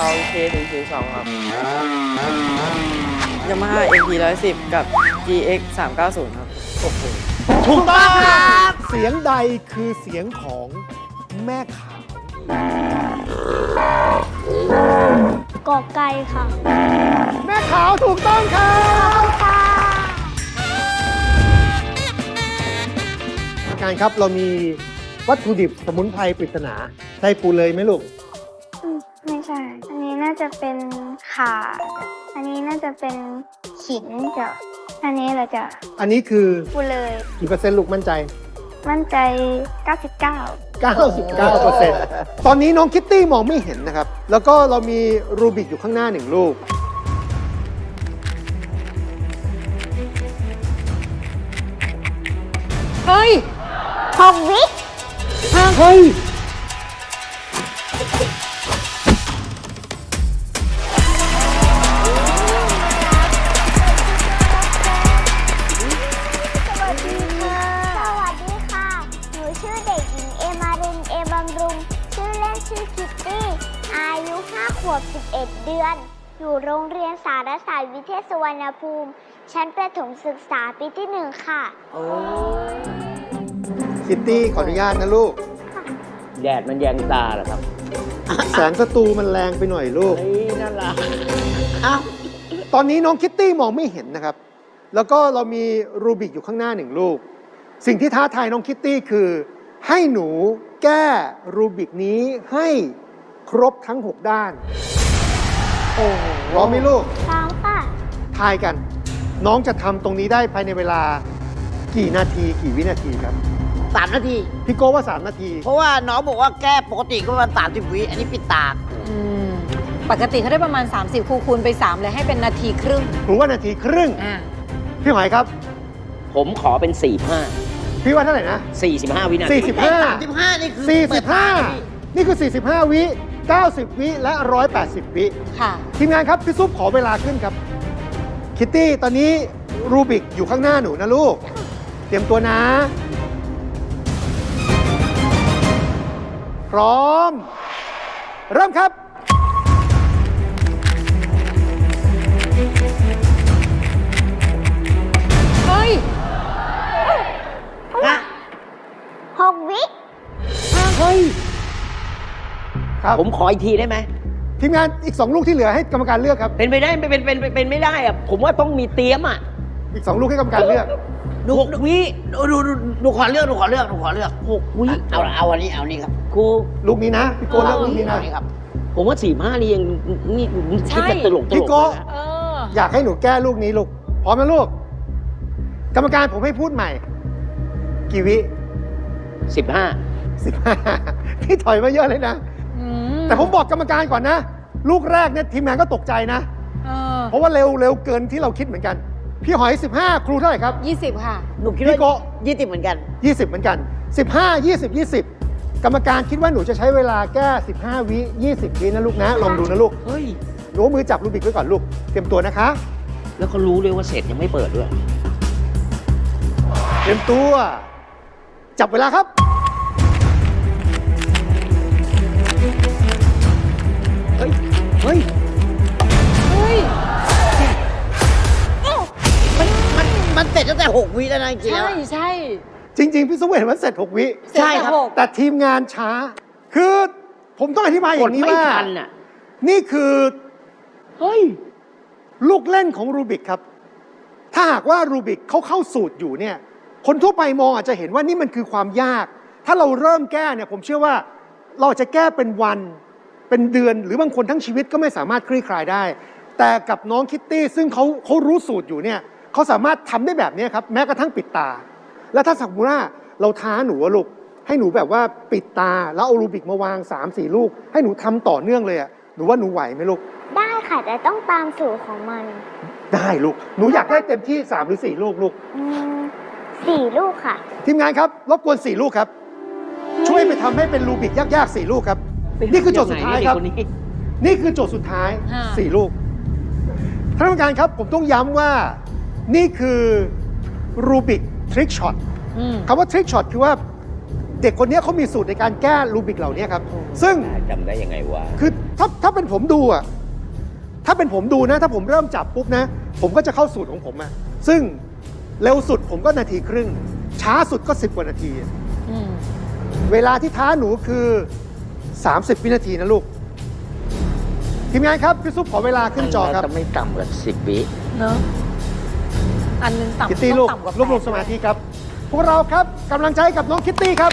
K102 ครับ Yamaha MP 110 กับ GX 390 ครับโอ้โหถูกต้องครับเสียงใดคือเสียงของแม่ขาวกอไก่ค่ะแม่ขาวถูกต้องครับการครับเรามีวัตถุดิบสมุนไพรปริศนาใช่ปูเลยไหมลูกไม่ใช่ อันนี้น่าจะเป็นข่าอันนี้น่าจะเป็นขิงจ้ะอันนี้เหราจะอันนี้คือพูดเลยกี่เปอร์เซ็นต์ลูกมั่นใจมั่นใจ 99 99%ตอนนี้น้องคิตตี้มองไม่เห็นนะครับ แล้วก็เรามีรูบิกอยู่ข้างหน้า1ลูกเฮ้ย 6 วิเฮ้ยสวัสดีค่ะ สวัสดีค่ะ หนูชื่อเด็กหญิงเอมาริน เอบำรุง ชื่อเล่นชื่อคิตตี้ อายุ 5 ขวบ 11 เดือน อยู่โรงเรียนสารศาสตร์วิเทศสุวรรณภูมิ ชั้นประถมศึกษาปีที่ 1 ค่ะคิตตี้ขออนุญาตนะลูกแดดมันแยงตาเหรอครับแสงสตูมันแรงไปหน่อยลูกเฮ้ยน่ารักตอนนี้น้องคิตตี้มองไม่เห็นนะครับ แล้วก็เรามีรูบิกอยู่ข้างหน้า1ลูก สิ่งที่ท้าทายน้องคิตตี้คือ ให้หนูแก้รูบิกนี้ให้ครบทั้ง 6 ด้าน โอ้โหพร้อมไหมลูกพร้อมค่ะทายกัน น้องจะทำตรงนี้ได้ภายในเวลากี่นาทีกี่วินาทีครับ 3 นาทีพี่โก้ว่า 3 นาทีเพราะว่าน้องบอกว่าแก้ปกติก็ประมาณ30 วิ อันนี้ปิดตาปกติเขาได้ประมาณ 30 คูณไป 3 เลยให้เป็นนาทีครึ่งหรือว่านาทีครึ่งอ่าพี่หอยครับผมขอเป็นพี่ว่าเท่าไหร่นะ 45 วินาที 45 35 นี่คือเปิดตาเลยพี่ 45 นี่คือ 45 วิ 90 วิ และ 180 วิค่ะทีมงานครับ พี่ซุปขอเวลาขึ้นครับ คิตตี้ตอนนี้รูบิกอยู่ข้างหน้าหนูนะลูก เตรียมตัวนะ พร้อม เริ่มครับเฮ้ย 6 วิเฮ้ย ครับผมขออีกทีได้ไหมทีมงานอีก 2 ลูกที่เหลือให้กรรมการเลือกครับเป็นไปได้เป็นไม่ได้อะผมว่าต้องมีเตรียมอ่ะอีก 2 ลูกให้กรรมการเลือก 6 วิหนูขอเลือก 6 วิเอาอันนี้ครับครูลูกนี้นะ พี่โก้เลือกลูกนี้นะเอาอันนี้ครับผมว่า 45 นี่ยังนี่คิดแบบตลกพี่โก้นะเอออยากให้หนูแก้ลูกนี้ลูก พร้อมนะลูก กรรมการผมให้พูดใหม่ กี่วิ 15 15 พี่ถอยมาเยอะเลยนะ แต่ผมบอกกรรมการก่อนนะ ลูกแรกเนี่ยทีมงานก็ตกใจนะเออเพราะว่าเร็วเกินที่เราคิดเหมือนกัน พี่หอย 15 ครูเท่าไหร่ครับ 20 ค่ะหนูคิดพี่โก้ว่า20เหมือนกัน 20 เหมือนกัน 15 20 20 กรรมการคิดว่าหนูจะใช้เวลาแก้ 15 วิ 20 วินะลูกนะ ลองดูนะลูกเฮ้ยหนูเอามือจับรูบิกไว้ก่อนลูก เตรียมตัวนะคะแล้วก็รู้เลยว่าเสร็จยังไม่เปิดด้วยเตรียมตัว จับเวลาครับเฮ้ย เฮ้ยเฮ้ยมันเสร็จตั้งแต่ 6 วิแล้วนะจริงๆใช่แล้วใช่จริง ๆ พี่สมเห็นว่าเสร็จ 6 วิใช่ครับแต่ทีมงานช้า คือผมต้องอธิบายอกดย่างนี้ไม่ว่าทันอ่ะนี่คือเฮ้ยลูกเล่นของรูบิกครับ ถ้าหากว่ารูบิกเขาเข้าสูตรอยู่เนี่ย คนทั่วไปมองอาจจะเห็นว่านี่มันคือความยาก ถ้าเราเริ่มแก้เนี่ยผมเชื่อว่าเราจะแก้เป็นวัน เป็นเดือน หรือบางคนทั้งชีวิตก็ไม่สามารถคลี่คลายได้ แต่กับน้องคิตตี้ซึ่งเขารู้สูตรอยู่เนี่ยเขาสามารถทำได้แบบนี้ครับ แม้กระทั่งปิดตา แล้วถ้าสมมติว่าเราท้าหนูอะลูก ให้หนูแบบว่าปิดตา แล้วเอารูบิกมาวาง 3-4 ลูก ให้หนูทำต่อเนื่องเลยอะหนูว่าหนูไหวไหมลูกได้ค่ะ แต่ต้องตามสูตรของมันได้ลูก หนูอยากได้เต็มที่ 3 หรือ 4 ลูกลูก 4 ลูกค่ะทีมงานครับ รบกวน 4 ลูกครับ ช่วยไปทำให้เป็นรูบิกยากๆ 4 ลูกครับ นี่คือโจทย์สุดท้ายครับ นี่คือโจทย์สุดท้ายค่ะ 4 ลูกท่านกรรมการครับ ผมต้องย้ำว่านี่คือรูบิกทริกช็อตอืมคำว่าทริกช็อตคือว่าเด็กคนนี้เขามีสูตรในการแก้รูบิกเหล่านี้ครับ ซึ่งจำได้ยังไงวะคือถ้าเป็นผมดูอะถ้าเป็นผมดูนะ ถ้าผมเริ่มจับปุ๊บนะ ผมก็จะเข้าสูตรของผมอะซึ่งเร็วสุดผมก็นาทีครึ่ง ช้าสุดก็ 10 กว่านาทีอืมเวลาที่ท้าหนูคือ 30 วินาทีนะลูก ทีมงานครับ พี่ซุปขอเวลาขึ้นจอครับจะไม่ต่ำกว่า10 วิเนอะอันหนึงต่ำคิตตี้ลูกต้องต่ำกว่ารวบรวมสมาธิครับ พวกเราครับกำลังใจให้กับน้องคิตตี้ครับ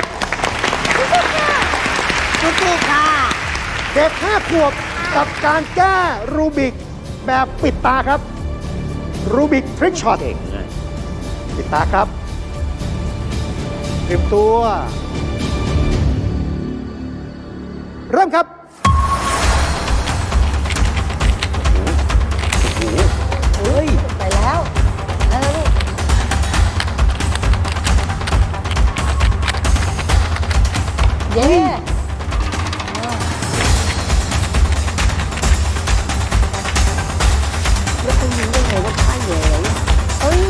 สู้ๆค่ะเด็ก5 ขวบกับการแก้รูบิกแบบปิดตาครับ รูบิกทริกช็อตเก่งนะปิดตาครับเตรียมตัว เริ่มครับเฮ้ยไปแล้วลูกเย้แล้วคุณรู้ได้ไงว่าท่าแย่เนี่ยเฮ้ย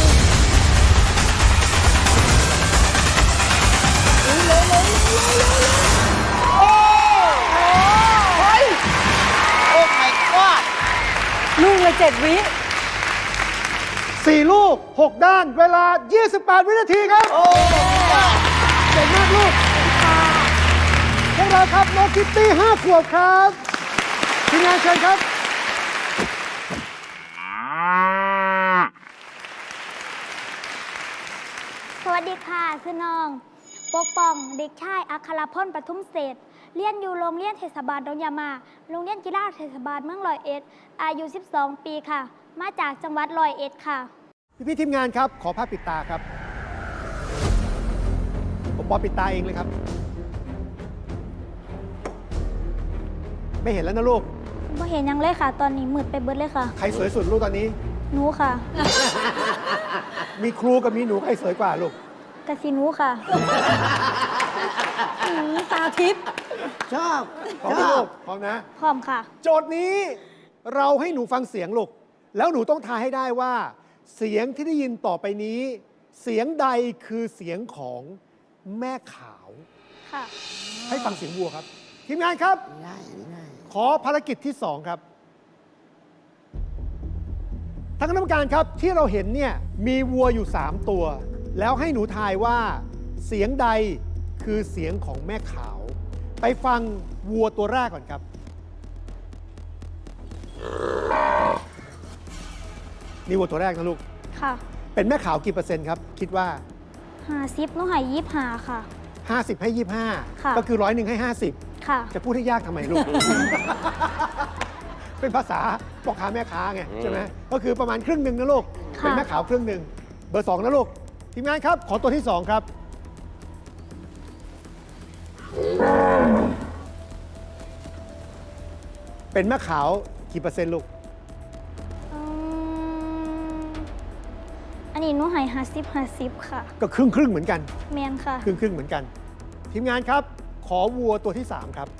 โอ้ my god ลูกละ7 วิ 4 ลูก 6 ด้าน เวลา 28 วินาทีครับโอ้เก่งมากลูกพวกเราครับน้องคิตตี้5 ขวบครับทีมงานเชิญครับสวัสดีค่ะคือน้องปกป้องเด็กชายอัครพลปทุมเศรษฐ์เรียนอยู่โรงเรียนเทศบาลดงยามาโรงเรียนกีฬาเทศบาลเมืองร้อยเอ็ดอายุ 12 ปีค่ะ มาจากจังหวัดร้อยเอ็ดค่ะพี่ทีมงานครับ ขอภาพปิดตาครับ ผมบอกปิดตาเองเลยครับ ไม่เห็นแล้วนะลูกบ่เห็นหยังเลยค่ะ ตอนนี้มืดไปเบิดเลยค่ะใครสวยสุดลูกตอนนี้หนูค่ะมีครูกับมีหนูใครสวยกว่าลูกกะสิหนูค่ะตาทิพย์ชอบพร้อมไหมลูกพร้อมนะพร้อมค่ะโจทย์นี้เราให้หนูฟังเสียงลูก แล้วหนูต้องทายให้ได้ว่า เสียงที่ได้ยินต่อไปนี้ เสียงใดคือเสียงของแม่ขาวค่ะให้ฟังเสียงวัวครับ ทีมงานครับง่ายง่ายขอภารกิจที่ 2 ครับทางคณะกรรมการครับที่เราเห็นเนี่ยมีวัวอยู่ 3 ตัว แล้วให้หนูทายว่าเสียงใดคือเสียงของแม่ขาว ไปฟังวัวตัวแรกก่อนครับ นี่วัวตัวแรกนะลูกค่ะเป็นแม่ขาวกี่เปอร์เซ็นต์ครับ คิดว่า 50หนูให้25ค่ะ 50 ให้ค่ะ 25 ก็คือ100ให้ 50 ค่ะจะพูดให้ยากทำไมลูก เป็นภาษาพ่อค้าแม่ค้าไงใช่ไหมก็คือประมาณครึ่งหนึ่งนะลูกค่ะเป็นแม่ขาวครึ่งหนึ่งเบอร์ 2 นะลูก ทีมงานครับ ขอตัวที่ 2 ครับ เป็นแม่ขาวกี่เปอร์เซ็นต์ลูกอืมอันนี้หนูให้50ค่ะก็ครึ่งครึ่งเหมือนกันแมนค่ะครึ่งครึ่งเหมือนกัน ทีมงานครับ ขอวัวตัวที่ 3 ครับ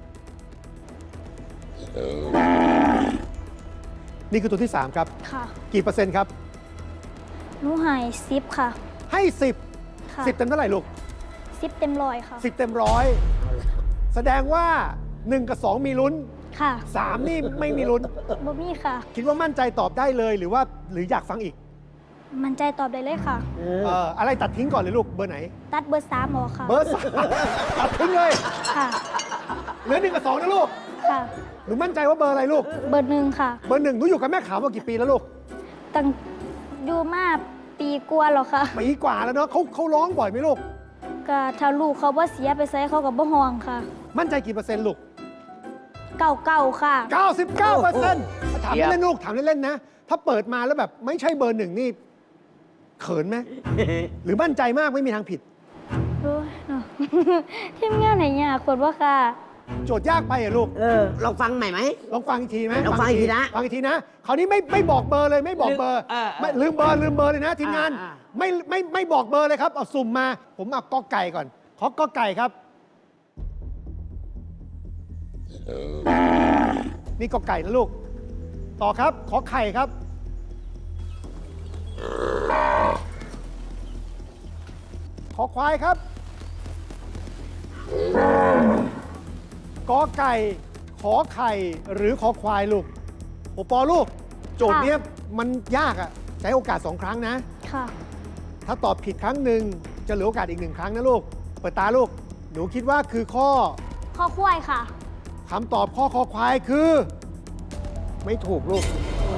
นี่คือตัวที่ 3 ครับค่ะกี่เปอร์เซ็นต์ครับหนูให้10ค่ะให้ค่ะ 10 10 เต็มเท่าไหร่ลูก 10เต็มร้อยค่ะ 10 เต็มร้อยแสดงว่า 1 กับ 2 มีลุ้นค่ะ 3 นี่ไม่มีลุ้นบ่มีค่ะคิดว่ามั่นใจตอบได้เลยหรืออยากฟังอีกมันใจตอบได้เลยค่ะอะไรตัดทิ้งก่อนเลยลูก เบอร์ไหนตัดเบอร์3ออกค่ะเบอร์ 3 ตัดทิ้งเลยค่ะเหลือ 1 กับ 2 นะลูกค่ะหนูมั่นใจว่าเบอร์อะไรลูกเบอร์1ค่ะเบอร์ 1 หนูอยู่กับแม่ขาวมากี่ปีแล้วลูกตั้งอยู่มาปีกว่าแล้วค่ะปีกว่าแล้วเนาะเขาร้องบ่อยไหมลูกก็ถ้าลูกเขาบ่เสียไปใส่เขากับบ่ห่วงค่ะมั่นใจกี่เปอร์เซ็นต์ลูกเก่าค่ะ 99%ถามเล่นๆลูก ถามเล่นๆนะ ถ้าเปิดมาแล้วแบบไม่ใช่เบอร์ 1 นี่ เขินไหม หรือมั่นใจมากไม่มีทางผิดโอ้ยเนาะ ทีมงานไหนยากคนว่าค่ะโจทย์ยากไปอะลูกลองฟังใหม่ไหมลองฟังอีกทีไหมลองฟังอีกทีนะฟังอีกทีนะ คราวนี้ไม่บอกเบอร์เลยไม่บอกเบอร์ ไม่ลืมเบอร์เลยนะทีมงานอ่าไม่บอกเบอร์เลยครับเอาสุ่มมา ผมเอากอไก่ก่อน ขอกอไก่ครับ นี่กอไก่นะลูก ต่อครับ ขอไข่ครับ ขอควายครับกอไก่ ขอไข่ หรือขอควายลูกโอปอลูก โจทย์เนี้ยมันยากอะใช้โอกาส 2 ครั้งนะค่ะถ้าตอบผิดครั้งหนึ่งจะเหลือโอกาสอีก 1 ครั้งนะลูก เปิดตาลูก หนูคิดว่าคือข้อข้อควายค่ะคำตอบข้อคอควายคือ ไม่ถูกลูก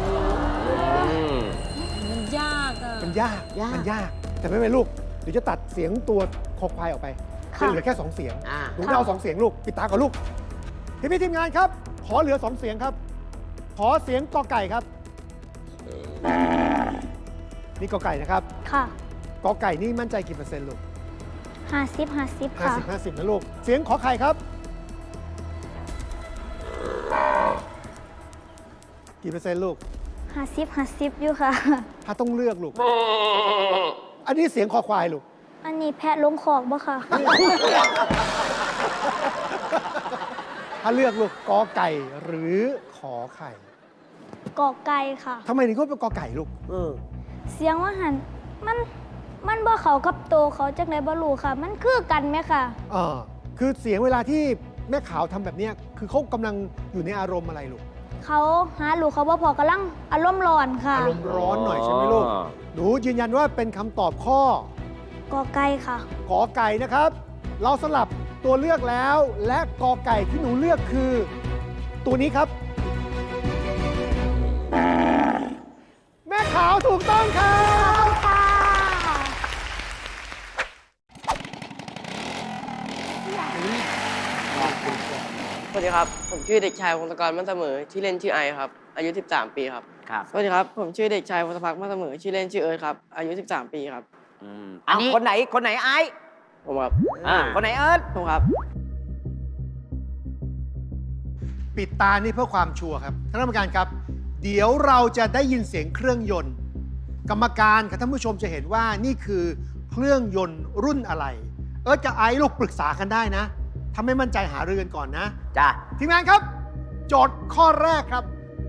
มันยากอะมันยาก มันยาก แต่ไม่เป็นไรลูกเดี๋ยวจะตัดเสียงตัวคอควายออกไปค่ะเหลือแค่ 2 เสียงอ่าหนูไม่เอา 2 เสียงลูก ปิดตาก่อนลูก พี่ทีมงานครับ ขอเหลือ 2 เสียงครับ ขอเสียงกอไก่ครับ นี่กอไก่นะครับค่ะกอไก่นี่มั่นใจกี่เปอร์เซ็นต์ลูก 50 ค่ะ 50 นะลูก เสียงขอไข่ครับ กี่เปอร์เซ็นต์ลูก 50 อยู่ค่ะถ้าต้องเลือกลูก อันนี้เสียงคอควายลูกอันนี้แพะลงคอกบ่ค่ะถ้าเลือกลูกกอไก่หรือขอไข่กอกไก่ค่ะทำไมถึงก็เป็นกอไก่ลูกเสียงว่าหันมันบ่เขากับโตเขาจักไหนบ่รู้ค่ะ มันคือกันไหมค่ะคือเสียงเวลาที่แม่ขาวทำแบบเนี้ยคือเขากำลังอยู่ในอารมณ์อะไรลูกเขาหาลูกเขาบ่พอกำลังอารมณ์ร้อนค่ะอารมณ์ร้อนหน่อยใช่ไหมลูก หนูยืนยันว่าเป็นคำตอบข้อกอไก่ค่ะกอไก่นะครับ เราสลับตัวเลือกแล้ว และกอไก่ที่หนูเลือกคือ ตัวนี้ครับ แม่ขาวถูกต้องครับค่ะสวัสดีครับ ผมชื่อเด็กชายวงศกรมั่นเสมอชื่อเล่นชื่อไอครับ อายุ 13 ปีครับครับสวัสดีครับ ผมชื่อเด็กชายวงศพักมั่นเสมอชื่อเล่นชื่อเอิร์ธครับ อายุ 13 ปีครับอันนี้คนไหนไอ้ผมครับคนไหนเอิร์ธผมครับปิดตานี่เพื่อความชัวร์ครับท่านกรรมการครับ เดี๋ยวเราจะได้ยินเสียงเครื่องยนต์ กรรมการกับท่านผู้ชมจะเห็นว่านี่คือเครื่องยนต์รุ่นอะไร เอิร์ธกับไอซ์ลูกปรึกษากันได้นะถ้าไม่มั่นใจหารือกันก่อนนะจ้ะทีมงานครับ โจทย์ข้อแรกครับ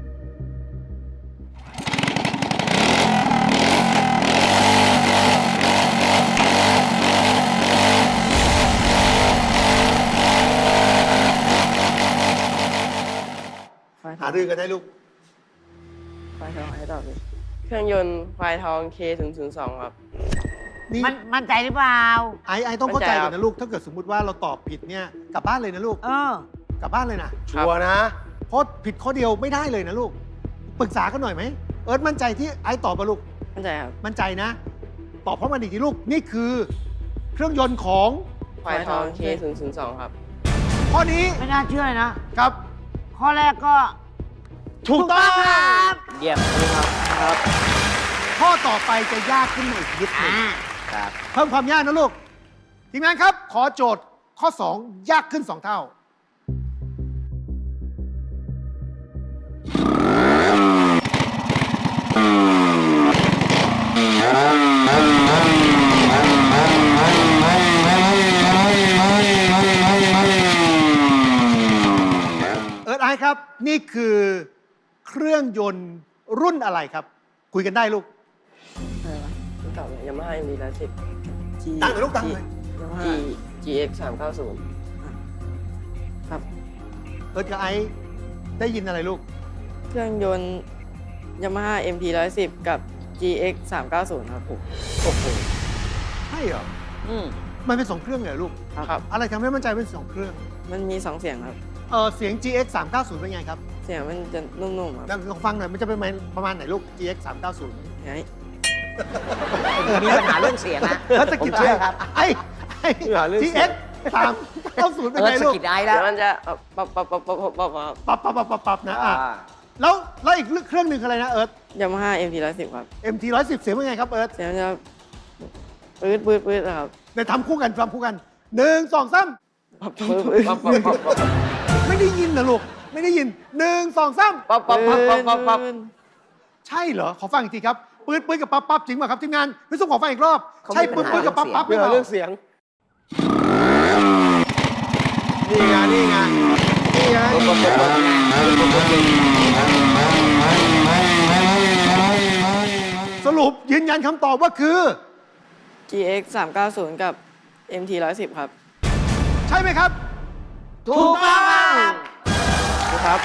หารือกันได้ลูกไฟทองให้ตอบดิเครื่องยนต์ไฟทอง K002 ครับนี่มั่นใจหรือเปล่าไอซ์ต้องเข้าใจมั่นใจครัก่อบ นนะลูก ถ้าเกิดสมมุติว่าเราตอบผิดเนี่ยกลับบ้านเลยนะลูก กลับบ้านเลยนะชัวร์นะเพราะผิดข้อเดียวไม่ได้เลยนะลูก ปรึกษากันหน่อยไหม เอิร์ธมั่นใจที่ไอซ์ตอบมาลูกมั่นใจครับมั่นใจนะ ตอบพร้อมกันอีกทีลูก นี่คือ เครื่องยนต์ของไฟทอง K002 ครับข้อนี้ไม่น่าเชื่อเลยนะครับข้อแรกก็ถูกต้องเยี่ยมครับข้อต่อไปจะยากขึ้นมาอีกนิดหนึงครับเพิ่มความยากนะลูก ทีมงานครับ ขอโจทย์ข้อ 2 ยากขึ้น 2 เท่า เอิร์ธไอซ์ครับ นี่คือเครื่องยนต์รุ่นอะไรครับ คุยกันได้ลูกอะไรวะไม่ตอบเลยยามาฮ่า MT-110 ตั้งเลยลูกตั้งเลย GX 390ครับเอิร์ธกับไอซ์ได้ยินอะไรลูกเครื่องยนต์ยามาฮ่า MT-110 กับ GX 390ครับผมโอ้โหใช่เหรอ มันเป็น 2 เครื่องเหรอลูกครับอะไรทำให้มั่นใจเป็น 2 เครื่องมันมี 2 เสียงครับเสียง GX 390เป็นไงครับเสียงมันจะนุ่มๆครับลองฟังหน่อย มันจะเป็นประมาณไหนลูก GX 390 ไงมีปัญหาเรื่องเสียงนะแล้วสะกิดผมเชื่อครับไอ้ GX 390เป็นเอิไงร์ธสลูกกิดไอ้แล้วเดี๋ยวมันจะปับปับปับปับปับปับครับปับนะอ่ะแล้วอีกเครื่องหนึ่งคืออะไรนะเอิร์ธยามาฮ่า MT-110 ครับ MT 110เสียงเป็นไงครับเอิร์ธเสียงมันจะปื๊ดนะครับเดี๋ยวทำคู่กัน1 2 3 ปับปับปับปับปับไม่ได้ยินนะลูก ไม่ได้ยิน 1 2 3 ปับปับปับปับปับปับใช่เหรอ ขอฟังอีกทีครับ ปืนกับปั๊บจริงป่ะครับทีมงานพี่สุขขอฟังอีกรอบ ใช่ปืนกับปั๊บหรือเปล่าเรื่องเสียงนี่ไงนี่ไงสรุปยืนยันคำตอบว่าคือ GX 390 กับ MT-110 ครับใช่ไหมครับถูกต้องครับ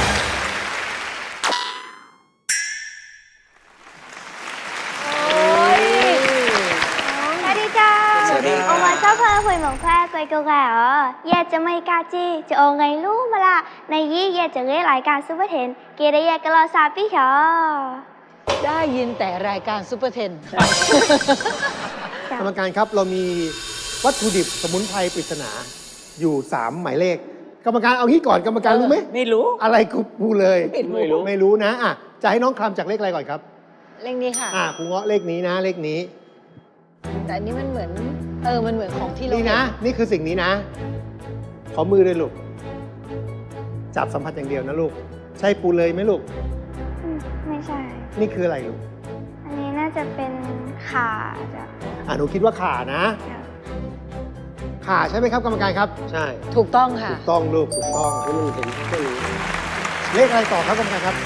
สวัสดีจ้าสวัสดีครับโอมาเจ้าเพอคุยหมองแพร่กุยกะแก่เหรอเย่จะไม่กาจีจะโอไงรู้มาละในยี่เย่จะเรียกรายการซูเปอร์เทนเกเรเย่กะลอซาพี่ชอได้ยินแต่รายการซูเปอร์เทนกรรมการครับเรามีวัตถุดิบสมุนไพรปริศนาอยู่ 3 หมายเลข กรรมการเอางี้ก่อนกรรมการรู้ไหมไม่รู้อะไรกูพูเลยไม่รู้ไม่รู้นะอ่ะจะให้น้องคลำจากเลขอะไรก่อนครับเลขนี้ค่ะครูเงาะเลขนี้นะเลขนี้แต่อันนี้มันเหมือน มันเหมือนของที่เรานี่นะ นี่คือสิ่งนี้นะ ขอมือเลยลูก จับสัมผัสอย่างเดียวนะลูก ใช่ปูเลยไหมลูกไม่ใช่นี่คืออะไรลูกอันนี้น่าจะเป็นขาจ้ะหนูคิดว่าขานะ ขาใช่ไหมครับกรรมการครับใช่ถูกต้องค่ะถูกต้องลูกถูกต้องให้มันเห็นแค่นี้เลขอะไรต่อครับกรรมการครับ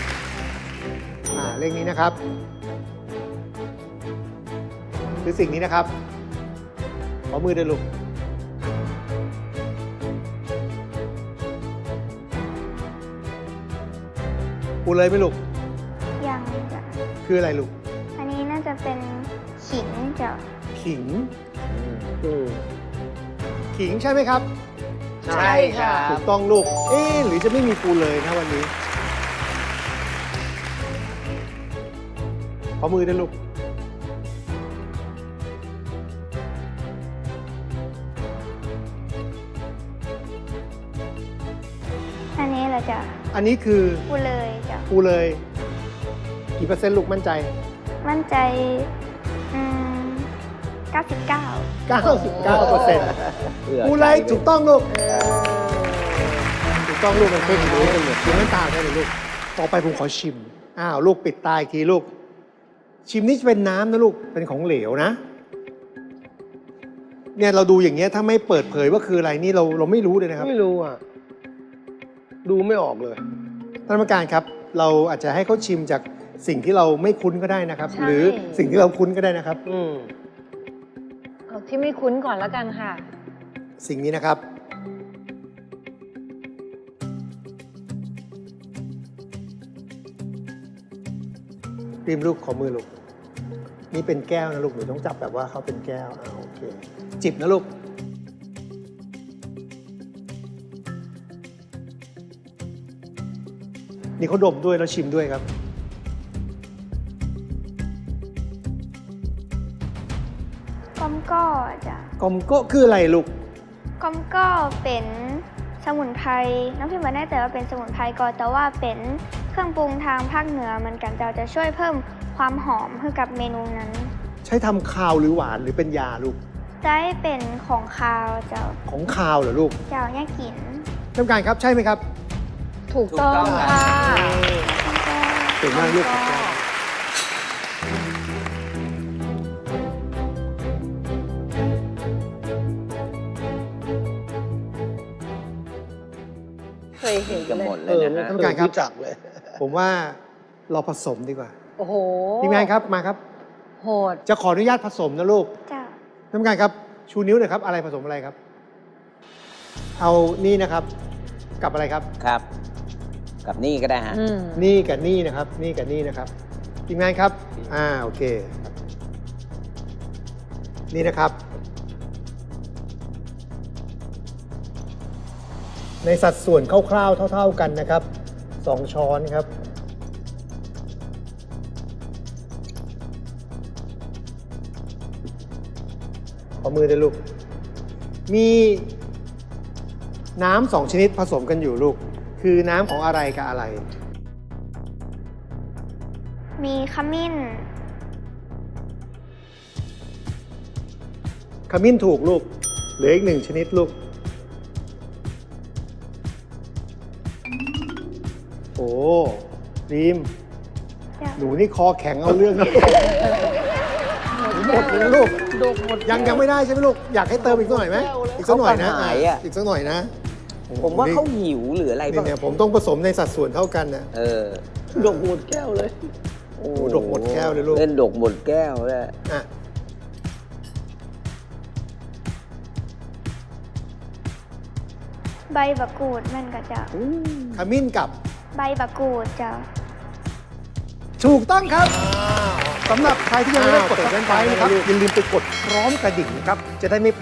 เลขนี้นะครับ คือสิ่งนี้นะครับ ขอมือด้วยลูก ปูเลยไหมลูกยังจ้ะคืออะไรลูกอันนี้น่าจะเป็นขิงจ้ะขิงอืมขิงใช่ไหมครับใช่ครับถูกต้องลูก หรือจะไม่มีปูเลยนะวันนี้ ขอมือด้วยลูกอันนี้เหรอจ้ะอันนี้คือกูเลยจ้ะปูเลย กี่เปอร์เซ็นต์ลูกมั่นใจมั่นใจ99 99% ผื่อปูเลยใจถูกต้องลูก ถูกต้องลูกมันเพิ่งรู้กันเลยคือน้ำตาใช่ไหมลูก ต่อไปผมขอชิม ลูกปิดตาอีกทีลูก ชิมนี่จะเป็นน้ำนะลูก เป็นของเหลวนะ เนี่ยเราดูอย่างเงี้ยถ้าไม่เปิดเผยว่าคืออะไรนี่เราไม่รู้เลยนะครับไม่รู้อ่ะ ดูไม่ออกเลยท่านกรรมการครับ เราอาจจะให้เขาชิมจากสิ่งที่เราไม่คุ้นก็ได้นะครับใช่หรือสิ่งที่เราคุ้นก็ได้นะครับอืมเอาที่ไม่คุ้นก่อนแล้วกันค่ะสิ่งนี้นะครับ ริมลูกขอมือลูก นี่เป็นแก้วนะลูกหนูต้องจับแบบว่าเขาเป็นแก้วโอเค จิบนะลูก นี่เขาดมด้วยแล้วชิมด้วยครับก้อมก็จ้ะกอมโก้คืออะไรลูกก้อมก็เป็นสมุนไพรน้องพิมพ์มาแน่แต่ว่าเป็นสมุนไพรก่อนแต่ว่าเป็นเครื่องปรุงทางภาคเหนือเหมือนกันจะช่วยเพิ่มความหอมให้กับเมนูนั้นใช้ทำคาวหรือหวานหรือเป็นยาลูกได้เป็นของคาวเจ้าของคาวเหรอลูกเจ้าเนี่ยกินท่านผู้การครับใช่ไหมครับถูกต้องค่ะเก่งมากลูกเคยเห็นกันเลหมดยเลยนะฮะท่านผู้การครับรู้จักเลยผมว่าเราผสมดีกว่าโอ้โหทีมงานครับมาครับโหดจะขออนุญาตผสมนะลูกเจ้าท่านผู้การครับ ชูนิ้วหน่อยครับ อะไรผสมอะไรครับ เอานี่นะครับ กับอะไรครับครับ กับนี่ก็ได้ฮะนี่กับนี่นะครับ นี่กับนี่นะครับทีมงานครับ โอเค นี่นะครับ ในสัดส่วนคร่าวๆเท่าๆกันนะครับ 2 ช้อนครับ ขอมือด้วยลูก มีน้ำ2 ชนิดผสมกันอยู่ลูก คือน้ำของอะไรกับอะไรมีขมิ้นขมิ้นถูกลูก เหลืออีก 1 ชนิดลูก โอ้ดีมเจ้าหนูนี่คอแข็งเอาเรื่องนะหมดเลยนะลูกยังไม่ได้ใช่ไหมลูก อยากให้เติมอีกสักหน่อยไหมอีกสักหน่อยนะเขากระหายอะอีกสักหน่อยนะโอ้โหผมว่าเขาหิวหรืออะไรนี่บ้างเนี่ยผมต้องผสมในสัดส่วนเท่ากันนะดกหมดแก้วเลยโอ้โหดกหมดแก้วเลยลูกเล่นดกหมดแก้วเลยอ่ะใบบักกูดมันก็จะขมิ้นกับใบบักกูดจะถูกต้องครับสำหรับใครที่ยังไม่ได้กด subscribe นะครับอย่าลืมไปกดพร้อมกระดิ่งนะครับจะได้ไม่พลาด